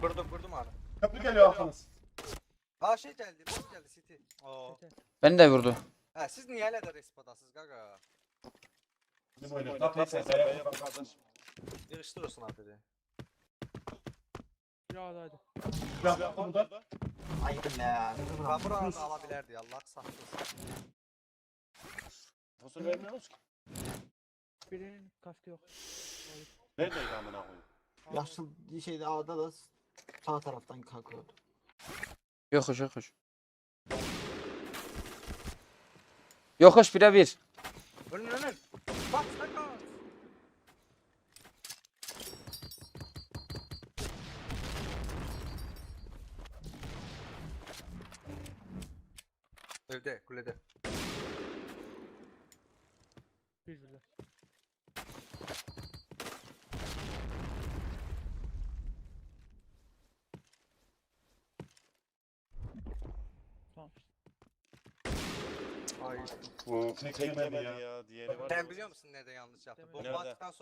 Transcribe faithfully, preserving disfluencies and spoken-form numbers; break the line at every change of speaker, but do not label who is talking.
Kurdum kurdum abi.
Köprü geliyor arkanız.
Aa şey geldi. Nasıl geldi City? Oo.
Beni de vurdu.
Ha siz niye hala da respadasınız gaga?
Bizim oynuyor. Kapıyı sen B'ye vur kardeş.
Yığıştır olsun abi dedi.
Ya hadi.
Silah yaptı burada.
Ayıp ya.
Ben buranı da alabilirdi Allah saklasın.
Fosur vermiyoruz ki.
Birinin kaskı yok.
Neredeydi amına koyayım?
Yaşlı şeyde A'da da sağ taraftan kalkıyordu.
Yokuş yokuş. Yokuş bire bir.
Ölün ölün. Bak sakın. Evde kulede.
Bir birler. Tamam.
Ay.
Bu tek
Tek
yemedi
yemedi
ya.
ya. Diğeri var.
Sen biliyor musun nerede yanlış yaptın?
Demedim.
Bomba
Nerede?
attıktan sonra